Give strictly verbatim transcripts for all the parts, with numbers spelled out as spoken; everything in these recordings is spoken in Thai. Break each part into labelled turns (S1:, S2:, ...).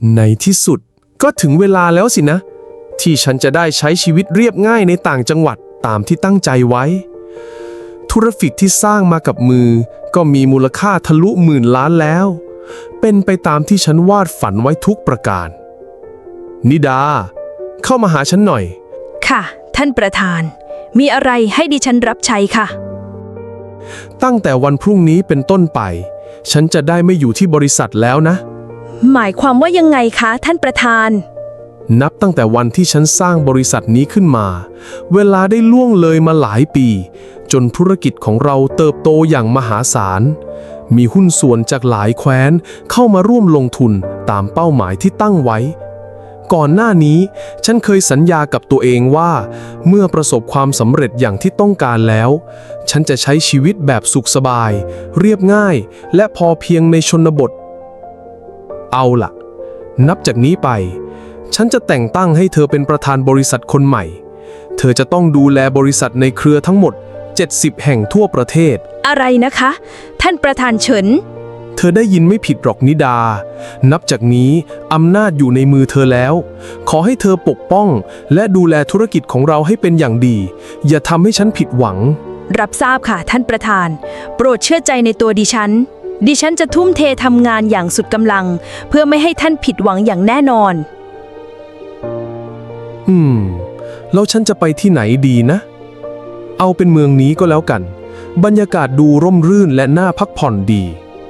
S1: ในที่สุดก็ถึงเวลาแล้วสินะที่ฉันจะได้ใช้ชีวิตเรียบง่ายในต่างจังหวัดตามที่ตั้งใจไว้ธุรกิจที่สร้างมากับมือก็มีมูลค่าทะลุหมื่นล้านแล้วเป็นไปตามที่ฉันวาดฝันไว้ทุกประการนิดาเข้ามาหาฉันหน่อย
S2: ค่ะท่านประธานมีอะไรให้ดิฉันรับใช้ค่ะ
S1: ตั้งแต่วันพรุ่งนี้เป็นต้นไปฉันจะได้ไม่อยู่ที่บริษัทแล้วนะ
S2: หมายความว่ายังไงคะท่านประธาน
S1: นับตั้งแต่วันที่ฉันสร้างบริษัทนี้ขึ้นมาเวลาได้ล่วงเลยมาหลายปีจนธุรกิจของเราเติบโตอย่างมหาศาลมีหุ้นส่วนจากหลายแคว้นเข้ามาร่วมลงทุนตามเป้าหมายที่ตั้งไว้ก่อนหน้านี้ฉันเคยสัญญากับตัวเองว่าเมื่อประสบความสำเร็จอย่างที่ต้องการแล้วฉันจะใช้ชีวิตแบบสุขสบายเรียบง่ายและพอเพียงในชนบทเอาล่ะนับจากนี้ไปฉันจะแต่งตั้งให้เธอเป็นประธานบริษัทคนใหม่เธอจะต้องดูแลบริษัทในเครือทั้งหมดเจ็ดสิบแห่งทั่วประเทศ
S2: อะไรนะคะท่านประธานเฉิน
S1: เธอได้ยินไม่ผิดหรอกนิดานับจากนี้อำนาจอยู่ในมือเธอแล้วขอให้เธอปกป้องและดูแลธุรกิจของเราให้เป็นอย่างดีอย่าทำให้ฉันผิดหวัง
S2: รับทราบค่ะท่านประธานโปรดเชื่อใจในตัวดิฉันดิฉันจะทุ่มเททำงานอย่างสุดกำลังเพื่อไม่ให้ท่านผิดหวังอย่างแน่นอน
S1: อืมแล้วฉันจะไปที่ไหนดีนะเอาเป็นเมืองนี้ก็แล้วกันบรรยากาศดูร่มรื่นและน่าพักผ่อนดี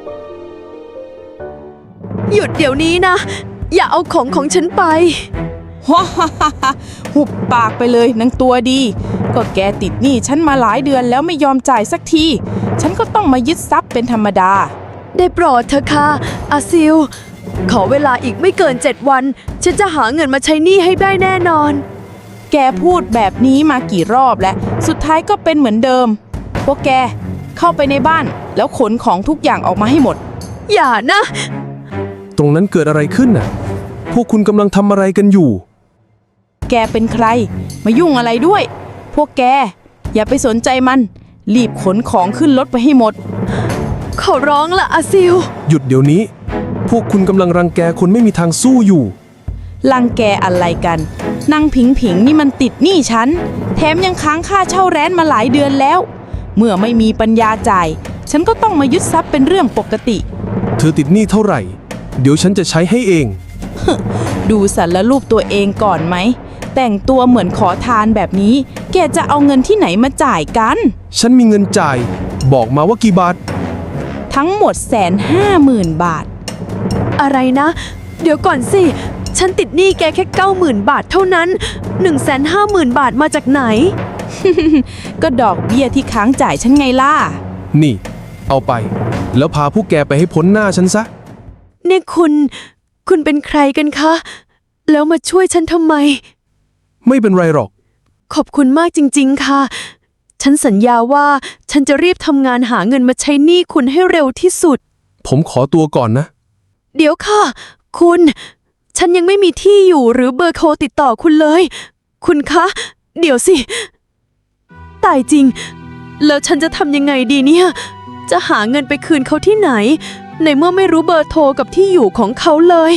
S2: หยุดเดี๋ยวนี้นะอย่าเอาของของฉันไป
S3: ฮ่าฮ่าฮ่าหุบปากไปเลยนางตัวดีก็แกติดหนี้ฉันมาหลายเดือนแล้วไม่ยอมจ่ายสักทีฉันก็ต้องมายึดทรัพย์เป็นธรรมดา
S2: ได้โปรดเถอะค่ะอาซิลขอเวลาอีกไม่เกินเจ็ดวันฉันจะหาเงินมาใช้หนี้ให้ได้แน่นอน
S3: แกพูดแบบนี้มากี่รอบแล้วสุดท้ายก็เป็นเหมือนเดิมพวกแกเข้าไปในบ้านแล้วขนของทุกอย่างออกมาให้หมด
S2: อย่านะ
S1: ตรงนั้นเกิดอะไรขึ้นน่ะพวกคุณกำลังทำอะไรกันอยู่
S3: แกเป็นใครมายุ่งอะไรด้วยพวกแกอย่าไปสนใจมันรีบขนของขึ้นรถไปให้หมด
S2: ขอร้องละอาซิล
S1: หยุดเดี๋ยวนี้พวกคุณกำลังรังแกคนไม่มีทางสู้อยู่
S3: รังแกอะไรกันนางผิงผิงนี่มันติดหนี้ฉันแถมยังค้างค่าเช่าแร้นมาหลายเดือนแล้วเมื่อไม่มีปัญญาจ่ายฉันก็ต้องมายึดทรัพย์เป็นเรื่องปกติ
S1: เธอติดหนี้เท่าไหร่เดี๋ยวฉันจะใช้ให้เอง
S3: ดูสารรูปตัวเองก่อนไหมแต่งตัวเหมือนขอทานแบบนี้แกจะเอาเงินที่ไหนมาจ่ายกัน
S1: ฉันมีเงินจ่ายบอกมาว่ากี่บาท
S3: ทั้งหมดแสนห้าหมื่นบาท
S2: อะไรนะเดี๋ยวก่อนสิฉันติดหนี้แกแค่เก้าหมื่นบาทเท่านั้นหนึ่งแสนห้าหมื่นบาทมาจากไหน
S3: ก็ดอกเบี้ยที่ค้างจ่ายฉันไงล่ะ
S1: นี่เอาไปแล้วพาพวกแกไปให้พ้นหน้าฉันซะ
S2: นี่คุณคุณเป็นใครกันคะแล้วมาช่วยฉันทำไม
S1: ไม่เป็นไรหรอก
S2: ขอบคุณมากจริงๆค่ะฉันสัญญาว่าฉันจะรีบทำงานหาเงินมาใช้หนี้คุณให้เร็วที่สุด
S1: ผมขอตัวก่อนนะ
S2: เดี๋ยวค่ะคุณฉันยังไม่มีที่อยู่หรือเบอร์โทรติดต่อคุณเลยคุณคะเดี๋ยวสิตายจริงแล้วฉันจะทำยังไงดีเนี่ยจะหาเงินไปคืนเขาที่ไหนในเมื่อไม่รู้เบอร์โทรกับที่อยู่ของเขาเลย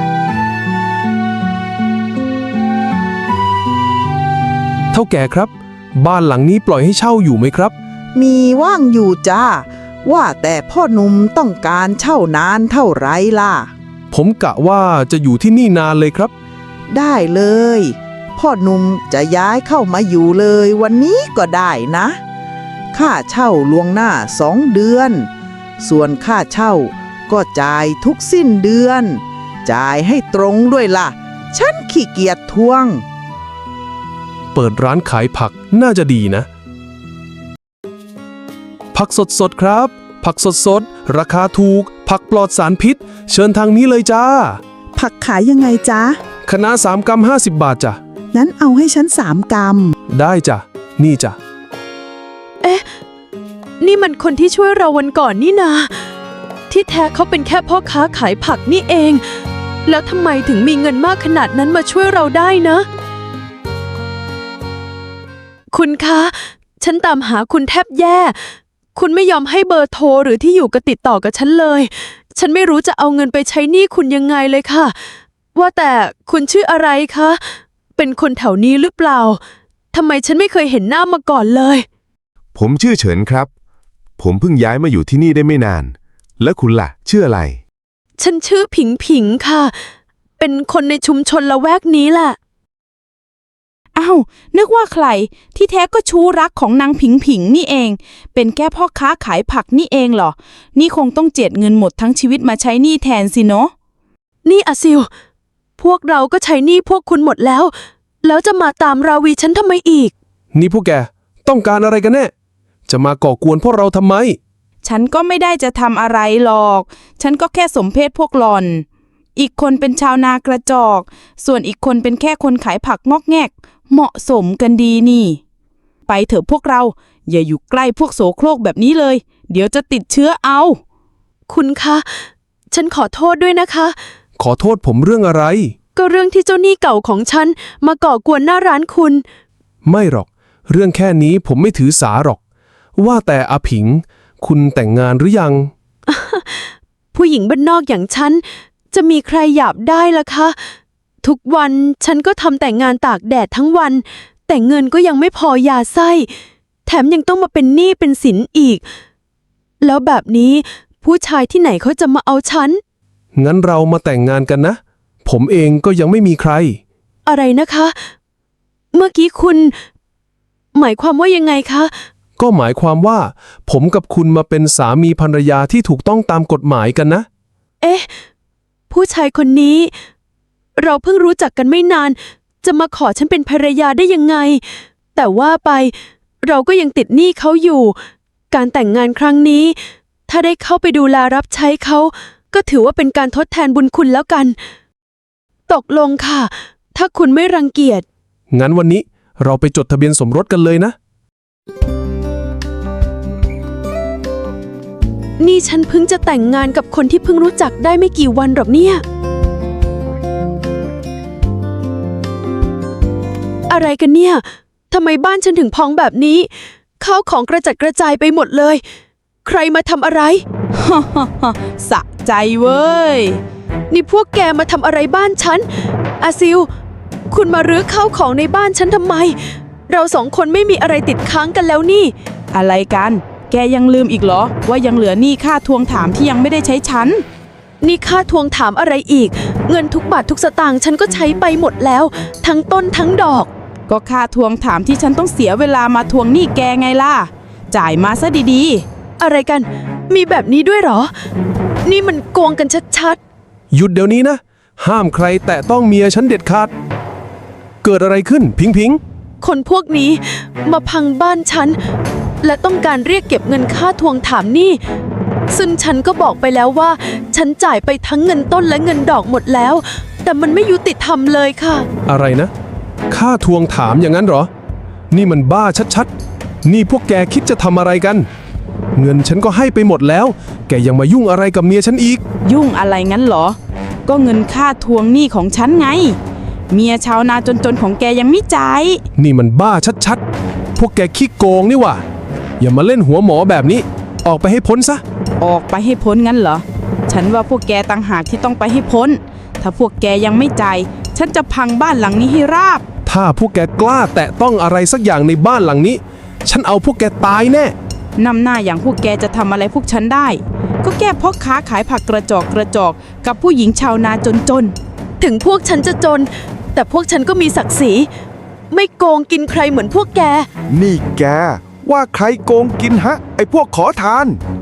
S1: เท่าแก่ครับบ้านหลังนี้ปล่อยให้เช่าอยู่ไหมครับ
S4: มีว่างอยู่จ้าว่าแต่พ่อหนุ่มต้องการเช่านานเท่าไรล่ะ
S1: ผมกะว่าจะอยู่ที่นี่นานเลยครับ
S4: ได้เลยพ่อหนุ่มจะย้ายเข้ามาอยู่เลยวันนี้ก็ได้นะค่าเช่าล่วงหน้าสองเดือนส่วนค่าเช่าก็จ่ายทุกสิ้นเดือนจ่ายให้ตรงด้วยล่ะฉันขี้เกียจทวง
S1: เปิดร้านขายผักน่าจะดีนะผักสดๆครับผักสดๆราคาถูกผักปลอดสารพิษเชิญทางนี้เลยจ้า
S5: ผักขายยังไงจ๊ะ
S1: คะน้าสามกรัมห้าสิบบาทจ้ะ
S5: งั้นเอาให้ฉันสามกรัม
S1: ได้จ้ะนี่จ้ะ
S2: เอ๊ะนี่มันคนที่ช่วยเราวันก่อนนี่นาที่แท้เขาเป็นแค่พ่อค้าขายผักนี่เองแล้วทำไมถึงมีเงินมากขนาดนั้นมาช่วยเราได้นะคุณคะฉันตามหาคุณแทบแย่คุณไม่ยอมให้เบอร์โทรหรือที่อยู่กับติดต่อกับฉันเลยฉันไม่รู้จะเอาเงินไปใช้หนี้คุณยังไงเลยค่ะว่าแต่คุณชื่ออะไรคะ เป็นคนแถวนี้หรือเปล่า ทำไมฉันไม่เคยเห็นหน้ามาก่อนเลย
S6: ผมชื่อเฉินครับ ผมเพิ่งย้ายมาอยู่ที่นี่ได้ไม่นาน แล้วคุณล่ะชื่ออะไร
S2: ฉันชื่อผิงผิงค่ะ เป็นคนในชุมชนละแวกนี้แหละ
S3: อ้าวนึกว่าใครที่แท้ก็ชู้รักของนางผิงผิงนี่เอง เป็นแค่พ่อค้าขายผักนี่เองเหรอ นี่คงต้องเจียดเงินหมดทั้งชีวิตมาใช้หนี้แทนสิเนาะ
S2: นี่อาซิล พวกเราก็ใช้หนี้พวกคุณหมดแล้ว แล้วจะมาตามราวีฉันทำไมอีก
S1: นี่พวกแกต้องการอะไรกันแน่ จะมาก่อกวนพวกเราทำไม
S3: ฉันก็ไม่ได้จะทำอะไรหรอก ฉันก็แค่สมเพศพวกหล่อน อีกคนเป็นชาวนากระจอก ส่วนอีกคนเป็นแค่คนขายผักงอกแงก เหมาะสมกันดีนี่ ไปเถอะพวกเรา อย่าอยู่ใกล้พวกโสโครกแบบนี้เลย เดี๋ยวจะติดเชื้อเอา
S2: คุณคะ ฉันขอโทษด้วยนะคะ
S1: ขอโทษผมเรื่องอะไร
S2: ก็เรื่องที่เจ้าหนี้เก่าของฉันมาก่อกวนหน้าร้านคุณ
S1: ไม่หรอก เรื่องแค่นี้ผมไม่ถือสาหรอก ว่าแต่อาผิง คุณแต่งงานหรือยัง
S2: ผู้หญิงบ้านนอกอย่างฉัน จะมีใครหยาบได้ล่ะคะ ทุกวันฉันก็ทำแต่งานตากแดดทั้งวัน แต่เงินก็ยังไม่พอยาไส้ แถมยังต้องมาเป็นหนี้เป็นสินอีก แล้วแบบนี้ผู้ชายที่ไหนเขาจะมาเอาฉัน
S1: งั้นเรามาแต่งงานกันนะ ผมเองก็ยังไม่มีใคร
S2: อะไรนะคะ เมื่อกี้คุณ หมายความว่ายังไงคะ
S1: ก็หมายความว่า ผมกับคุณมาเป็นสามีภรรยาที่ถูกต้องตามกฎหมายกันนะ
S2: เอ๊ะ ผู้ชายคนนี้ เราเพิ่งรู้จักกันไม่นาน จะมาขอฉันเป็นภรรยาได้ยังไง แต่ว่าไป เราก็ยังติดหนี้เขาอยู่ การแต่งงานครั้งนี้ ถ้าได้เข้าไปดูแลรับใช้เขา ก็ถือว่าเป็นการทดแทนบุญคุณแล้วกัน ตกลงค่ะ ถ้าคุณไม่รังเกียจ
S1: งั้นวันนี้เราไปจดทะเบียนสมรสกันเลยนะ
S2: นี่ฉันเพิ่งจะแต่งงานกับคนที่เพิ่งรู้จักได้ไม่กี่วันหรอกเนี่ย อะไรกันเนี่ย ทำไมบ้านฉันถึงพองแบบนี้ ข้าวของกระจัดกระจายไปหมดเลย ใครมาทำอะไร
S3: สะใจเว้ย
S2: นี่พวกแกมาทำอะไรบ้านฉัน อาซิล คุณมารื้อข้าวของในบ้านฉันทำไม เราสองคนไม่มีอะไรติดค้างกันแล้วนี่
S3: อะไรกัน แกยังลืมอีกเหรอ ว่ายังเหลือหนี้ค่าทวงถามที่ยังไม่ได้ใช้ฉัน
S2: นี่ค่าทวงถามอะไรอีก เงินทุกบาททุกสตางค์ฉันก็ใช้ไปหมดแล้ว ทั้งต้นทั้งดอก
S3: ก็ค่าทวงถามที่ฉันต้องเสียเวลามาทวงหนี้แกไงล่ะ จ่ายมาซะดี
S2: อะไรกัน มีแบบนี้ด้วยเหรอ นี่มันโกงกันชัด
S1: หยุดเดี๋ยวนี้นะ ห้ามใครแตะต้องเมียฉันเด็ดขาด เกิดอะไรขึ้นพิงพิง
S2: ๆ คนพวกนี้มาพังบ้านฉัน และต้องการเรียกเก็บเงินค่าทวงถามหนี้ ซึ่งฉันก็บอกไปแล้วว่า ฉันจ่ายไปทั้งเงินต้นและเงินดอกหมดแล้ว แต่มันไม่ยุติธรรมเลยค่ะ
S1: อะไรนะ ค่าทวงถามอย่างนั้นเหรอ นี่มันบ้าชัดๆ นี่พวกแกคิดจะทำอะไรกัน เงินฉันก็ให้ไปหมดแล้ว แกยังมายุ่งอะไรกับเมียฉันอีก
S3: ๆ ยุ่งอะไรงั้นเหรอ ก็เงินค่าทวงหนี้ของฉันไง เมียชาวนาจนๆของแกยังไม่จ่าย
S1: นี่มันบ้าชัดๆ พวกแกขี้โกงนี่หว่า อย่ามาเล่นหัวหมอแบบนี้ ออกไปให้พ้นซะ
S3: ออกไปให้พ้นงั้นเหรอ ฉันว่าพวกแกต่างหากที่ต้องไปให้พ้น ถ้าพวกแกยังไม่จ่าย ฉันจะพังบ้านหลังนี้ให้ราบ
S1: ถ้าพวกแกกล้าแตะต้องอะไรสักอย่างในบ้านหลังนี้ ฉันเอาพวกแกตายแน่
S3: นำหน้าอย่างพวกแกจะทำอะไรพวกฉันได้ ก็แก้พ่อค้าขายผักกระจอกกระจอกกับผู้หญิงชาวนาจน
S2: ถึงพวกฉันจะจน แต่พวกฉันก็มีศักดิ์ศรี ไม่โกงกินใครเหมือนพวกแก
S6: นี่แกว่าใครโกงกินฮะ ไอ้พวกขอทาน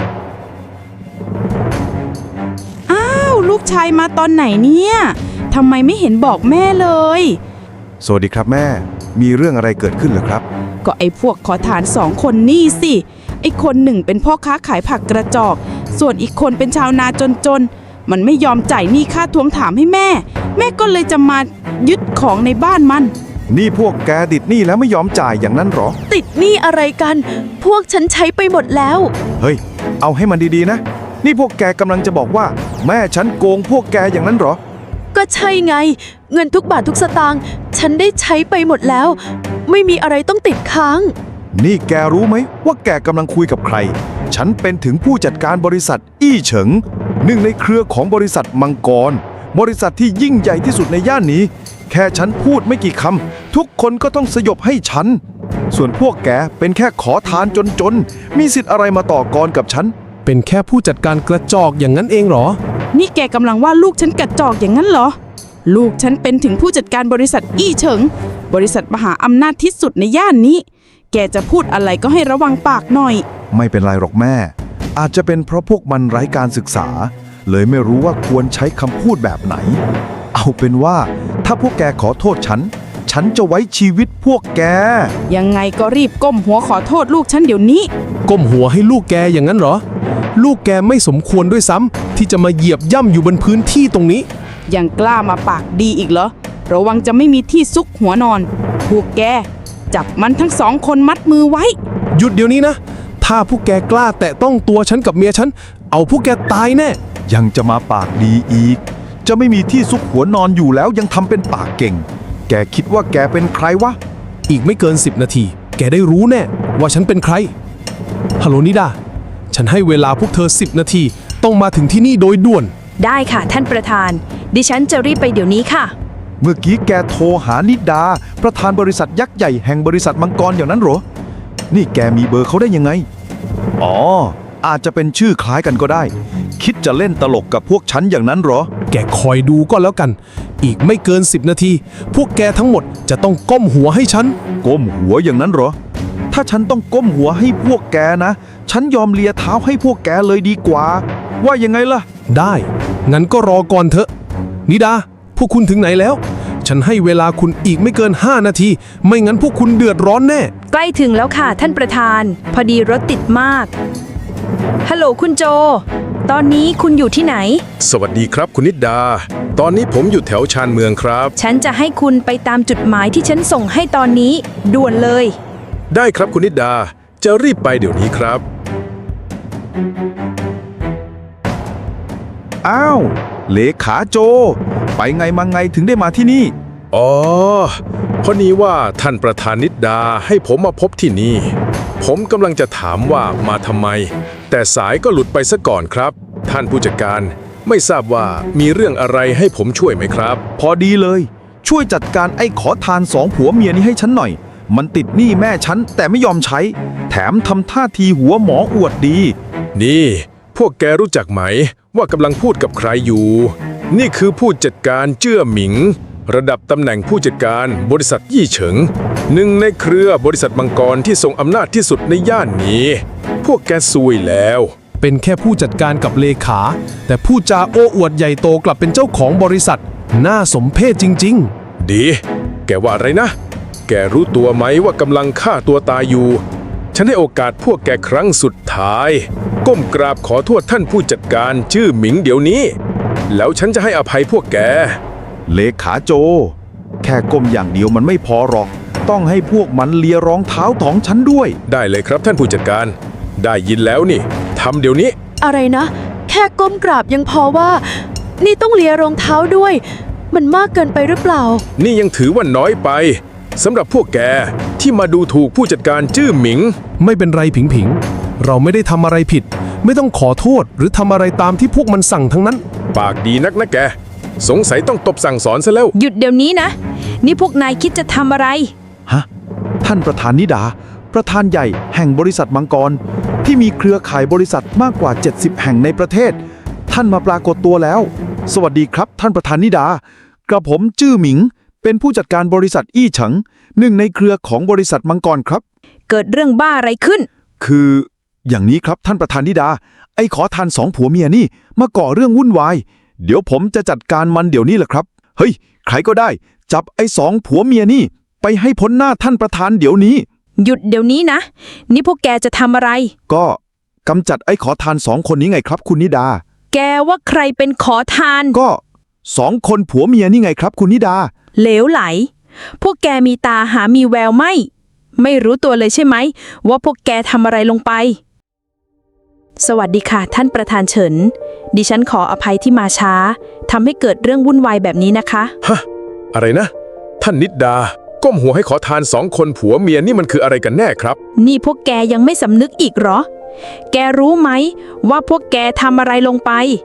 S3: ๆ อ้าวลูกชายมาตอนไหนเนี่ยทำไมไม่เห็นบอกแม่เลย
S6: สวัสดีครับแม่ มีเรื่องอะไรเกิดขึ้นเหรอครับ
S3: ก็ไอ้พวกขอทานสองคนนี่สิไอ้คนหนึ่งเป็นพ่อค้าขายผักกระจอก ส่วนอีกคนเป็นชาวนาจนๆ มันไม่ยอมจ่ายหนี้ค่าทวงถามให้แม่ แม่ก็เลยจะมายึดของในบ้านมัน
S6: นี่พวกแกติดหนี้แล้วไม่ยอมจ่ายอย่างนั้นเหรอ
S2: ติดหนี้อะไรกัน พวกฉันใช้ไปหมดแล้ว
S6: เฮ้ย เอาให้มันดีๆนะ นี่พวกแกกำลังจะบอกว่า แม่ฉันโกงพวกแกอย่างนั้นเหรอ
S2: ก็ใช่ไง เงินทุกบาททุกสตางค์ฉันได้ใช้ไปหมดแล้ว ไม่มีอะไรต้องติดค้าง
S6: นี่แกรู้ไหมว่าแกกำลังคุยกับใคร ฉันเป็นถึงผู้จัดการบริษัทอี้เฉิง หนึ่งในเครือของบริษัทมังกร
S7: บริษัทที่ยิ่งใหญ่ที่สุดในย่านนี้ แค่ฉันพูดไม่กี่คำทุกคนก็ต้องสยบให้ฉัน ส่วนพวกแกเป็นแค่ขอทานจนๆมีสิทธิ์อะไรมาต่อกรกับฉัน
S1: เป็นแค่ผู้จัดการกระจอกอย่างนั้นเองเหรอ
S3: นี่แกกำลังว่าลูกฉันกระจอกอย่างนั้นเหรอ ลูกฉันเป็นถึงผู้จัดการบริษัทอี้เฉิง บริษัทมหาอำนาจที่สุดในย่านนี้ แกจะพูดอะไรก็ให้ระวังปากหน่อย
S7: ไม่เป็นไรหรอกแม่ อาจจะเป็นเพราะพวกมันไร้การศึกษา เลยไม่รู้ว่าควรใช้คำพูดแบบไหน เอาเป็นว่าถ้าพวกแกขอโทษฉัน ฉันจะไว้ชีวิตพวกแก
S3: ยังไงก็รีบก้มหัวขอโทษลูกฉันเดี๋ยวนี้
S1: ก้มหัวให้ลูกแกอย่างนั้นเหรอ ลูกแกไม่สมควรด้วยซ้ำที่จะมาเหยียบย่ำอยู่บนพื้นที่ตรงนี้
S3: ยังกล้ามาปากดีอีกเหรอ ระวังจะไม่มีที่ซุกหัวนอน พวกแกจับมันทั้งสองคนมัดมือไว้
S1: หยุดเดี๋ยวนี้นะ ถ้าพวกแกกล้าแตะต้องตัวฉันกับเมียฉัน เอาพวกแกตายแน่
S7: ยังจะมาปากดีอีก จะไม่มีที่ซุกหัวนอนอยู่แล้วยังทำเป็นปากเก่ง แกคิดว่าแกเป็นใครวะ
S1: อีกไม่เกินสิบนาที แกได้รู้แน่ว่าฉันเป็นใคร ฮัลโหลนิดา ฉันให้เวลาพวกเธอสิบนาที ต้องมาถึงที่นี่โดยด่วน
S2: ได้ค่ะท่านประธาน ดิฉันจะรีบไปเดี๋ยวนี้ค่ะ
S7: เมื่อกี้แกโทรหานิดา ประธานบริษัทยักษ์ใหญ่แห่งบริษัทมังกรอย่างนั้นเหรอ นี่แกมีเบอร์เขาได้ยังไง อ๋อ อาจจะเป็นชื่อคล้ายกันก็ได้ คิดจะเล่นตลกกับพวกฉันอย่างนั้นเหรอ
S1: แกคอยดูก็แล้วกัน อีกไม่เกินสิบนาที พวกแกทั้งหมดจะต้องก้มหัวให้ฉัน
S7: ก้มหัวอย่างนั้นเหรอ ถ้าฉันต้องก้มหัวให้พวกแกนะ ฉันยอมเลียเท้าให้พวกแกเลยดีกว่า ว่ายังไงล่ะ
S1: ได้ งั้นก็รอก่อนเถอะ นิดา พวกคุณถึงไหนแล้ว ฉันให้เวลาคุณอีกไม่เกินห้านาที ไม่งั้นพวกคุณเดือดร้อนแน่
S2: ใกล้ถึงแล้วค่ะท่านประธาน พอดีรถติดมาก ฮัลโหลคุณโจ ตอนนี้คุณอยู่ที่ไหน
S8: สวัสดีครับคุณนิดดา ตอนนี้ผมอยู่แถวชานเมืองครับ
S2: ฉันจะให้คุณไปตามจุดหมายที่ฉันส่งให้ตอนนี้ ด่วนเลย
S8: ได้ครับคุณนิดดา จะรีบไปเดี๋ยวนี้ครับ
S7: อ้าว เลขาโจ ไปไงมาไงถึงได้มาที่นี่
S8: อ๋อเพราะนี้ว่าท่านประธานนิดดาให้ผมมาพบที่นี่ ผมกำลังจะถามว่ามาทำไม แต่สายก็หลุดไปซะก่อนครับ ท่านผู้จัดการไม่ทราบว่ามีเรื่องอะไรให้ผมช่วยไหมครับ
S7: พอดีเลย ช่วยจัดการไอ้ขอทานสองผัวเมียนี้ให้ฉันหน่อย มันติดหนี้แม่ฉันแต่ไม่ยอมใช้ แถมทำท่าทีหัวหมออวดดี
S8: นี่ พวกแกรู้จักไหมว่ากำลังพูดกับใครอยู่ นี่คือผู้จัดการเจ้อหมิง ระดับตำแหน่งผู้จัดการบริษัทยี่เฉิงหนึ่งในเครือบริษัทมังกรที่ทรงอำนาจที่สุดในย่านนี้ พวกแกซวยแล้ว
S1: เป็นแค่ผู้จัดการกับเลขา แต่ผู้จาโอ้อวดใหญ่โตกลับเป็นเจ้าของบริษัท น่าสมเพชจริง
S8: ดี แกว่าอะไรนะ แกรู้ตัวไหมว่ากำลังฆ่าตัวตายอยู่ ฉันให้โอกาสพวกแกครั้งสุดท้าย ก้มกราบขอโทษท่านผู้จัดการชื่อหมิงเดี๋ยวนี้ แล้วฉันจะให้อภัยพวกแก
S7: เลขาโจ แค่ก้มอย่างเดียวมันไม่พอหรอก ต้องให้พวกมันเลียรองเท้าของฉันด้วย
S8: ได้เลยครับท่านผู้จัดการ ได้ยินแล้วนี่ทำเดี๋ยวนี้
S2: อะไรนะ แค่ก้มกราบยังพอว่า นี่ต้องเลียรองเท้าด้วย มันมากเกินไปหรือเปล่า
S8: นี่ยังถือว่าน้อยไปสำหรับพวกแกที่มาดูถูกผู้จัดการชื่อหมิง
S1: ๆ ไม่เป็นไรผิงผิงๆเราไม่ได้ทำอะไรผิด ไม่ต้องขอโทษหรือทำอะไรตามที่พวกมันสั่งทั้งนั้น
S8: ปากดีนักนะแก สงสัยต้องตบสั่งสอนซะแล้ว
S2: หยุดเดี๋ยวนี้นะ นี่พวกนายคิดจะทำอะไร
S7: ฮะ ท่านประธานนิดา ประธานใหญ่แห่งบริษัทมังกร ที่มีเครือข่ายบริษัทมากกว่า เจ็ดสิบ แห่งในประเทศ ท่านมาปรากฏตัวแล้ว สวัสดีครับท่านประธานนิดากระผมจื้อหมิง เป็นผู้จัดการบริษัทอี้เฉิงหนึ่งในเครือของบริษัทมังกรครับ
S2: เกิดเรื่องบ้าอะไรขึ้น
S7: คืออย่างนี้ครับท่านประธานนิดา ไอ้ขอทานสองผัวเมียนี่มาก่อเรื่องวุ่นวาย เดี๋ยวผมจะจัดการมันเดี๋ยวนี้แหละครับ เฮ้ย ใครก็ได้ จับไอ้สองผัวเมียนี่ไปให้พ้นหน้าท่านประธานเดี๋ยวนี้
S2: หยุดเดี๋ยวนี้นะ นี่พวกแกจะทำอะไร
S7: ก็กำจัดไอ้ขอทานสองคนนี้ไงครับคุณนิดา
S2: แกว่าใครเป็นขอทาน
S7: ก็สองคนผัวเมียนี่ไงครับคุณนิดา
S2: เหลวไหล พวกแกมีตาหามีแววไหม ไม่รู้ตัวเลยใช่ไหม ว่าพวกแกทำอะไรลงไป สวัสดีค่ะท่านประธานเฉิน ดิฉันขออภัยที่มาช้าทำให้เกิดเรื่องวุ่นวายแบบนี้นะคะ
S8: ฮะ อะไรนะ ท่านนิดดา ก้มหัวให้ขอทานสองคนผัวเมียนี่มันคืออะไรกันแน่ครับ
S2: นี่พวกแกยังไม่สำนึกอีกเหรอ แกรู้ไหมว่าพวกแกทำอะไรลงไป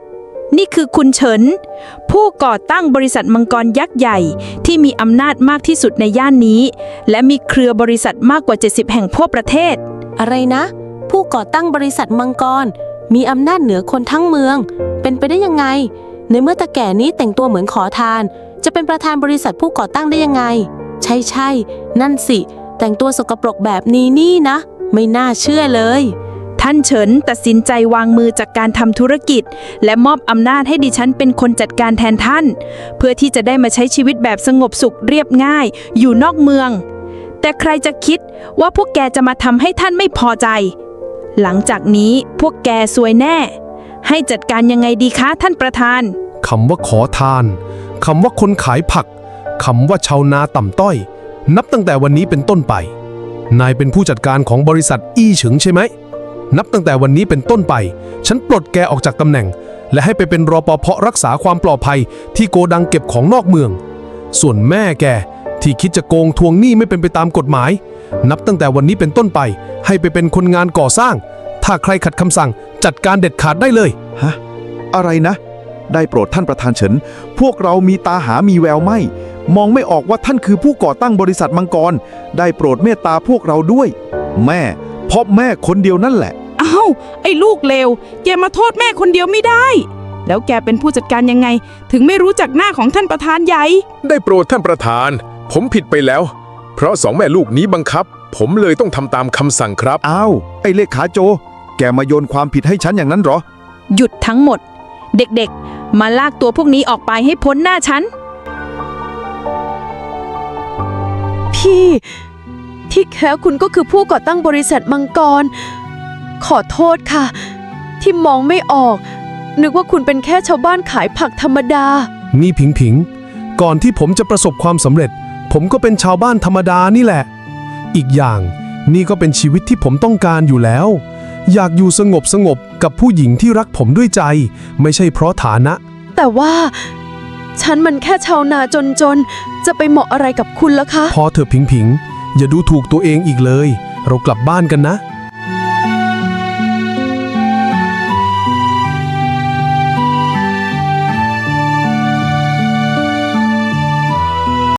S3: นี่คือคุณเฉิน ผู้ก่อตั้งบริษัทมังกรยักษ์ใหญ่ที่มีอำนาจมากที่สุดในย่านนี้ และมีเครือบริษัทมากกว่า เจ็ดสิบ แห่งทั่วประเทศ
S9: อะไรนะ ผู้ก่อตั้งบริษัทมังกรมีอำนาจเหนือคนทั้งเมือง เป็นไปได้ยังไง ในเมื่อตาแก่นี้แต่งตัวเหมือนขอทาน จะเป็นประธานบริษัทผู้ก่อตั้งได้ยังไง ใช่ใช่นั่นสิแต่งตัวสกปรกแบบนี้นี่นะ ไม่น่าเชื่อเลย
S3: ท่านเฉินตัดสินใจวางมือจากการทำธุรกิจ และมอบอำนาจให้ดิฉันเป็นคนจัดการแทนท่าน เพื่อที่จะได้มาใช้ชีวิตแบบสงบสุขเรียบง่าย อยู่นอกเมือง แต่ใครจะคิดว่าพวกแกจะมาทำให้ท่านไม่พอใจ หลังจากนี้พวกแกซวยแน่ ให้จัดการยังไงดีคะท่านประธาน
S1: คำว่าขอทาน คำว่าคนขายผัก คำว่าชาวนาต่ำต้อย นับตั้งแต่วันนี้เป็นต้นไป นายเป็นผู้จัดการของบริษัทอี้เฉิงใช่ไหม นับตั้งแต่วันนี้เป็นต้นไป ฉันปลดแกออกจากตำแหน่ง และให้ไปเป็นรปภรักษาความปลอดภัยที่โกดังเก็บของนอกเมือง ส่วนแม่แกที่คิดจะโกงทวงหนี้ไม่เป็นไปตามกฎหมาย นับตั้งแต่วันนี้เป็นต้นไป ให้ไปเป็นคนงานก่อสร้าง ถ้าใครขัดคำสั่งจัดการเด็ดขาดได้เลย
S7: ฮะ อะไรนะ ได้โปรดท่านประธานเฉิน พวกเรามีตาหามีแววไม่ มองไม่ออกว่าท่านคือผู้ก่อตั้งบริษัทมังกร ได้โปรดเมตตาพวกเราด้วย แม่เพราะแม่คนเดียวนั่นแหละ
S3: อ้าวไอ้ลูกเลวแกมาโทษแม่คนเดียวไม่ได้ แล้วแกเป็นผู้จัดการยังไง ถึงไม่รู้จักหน้าของท่านประธานใหญ่
S8: ได้โปรดท่านประธาน ผมผิดไปแล้ว เพราะสองแม่ลูกนี้บังคับ ผมเลยต้องทำตามคำสั่งครับ
S7: อ้าว ไอ้เลขาโจ แกมาโยนความผิดให้ฉันอย่างนั้นเหรอ
S3: หยุดทั้งหมด เด็กๆ มาลากตัวพวกนี้ออกไปให้พ้นหน้าฉัน
S2: พี่ ที่แท้คุณก็คือผู้ก่อตั้งบริษัทมังกร ขอโทษค่ะ ที่มองไม่ออก นึกว่าคุณเป็นแค่ชาวบ้านขายผักธรรมดา
S1: นี่ผิงผิง ก่อนที่ผมจะประสบความสำเร็จ ผมก็เป็นชาวบ้านธรรมดานี่แหละ อีกอย่างนี่ก็เป็นชีวิตที่ผมต้องการอยู่แล้ว อยากอยู่สงบสงบกับผู้หญิงที่รักผมด้วยใจ ไม่ใช่เพราะฐานะ
S2: แต่ว่า ฉันมันแค่ชาวนาจนๆ จะไปเหมาะอะไรกับคุณล่ะคะ
S1: พอเถอะผิงผิง อย่าดูถูกตัวเองอีกเลย เรากลับบ้านกันนะ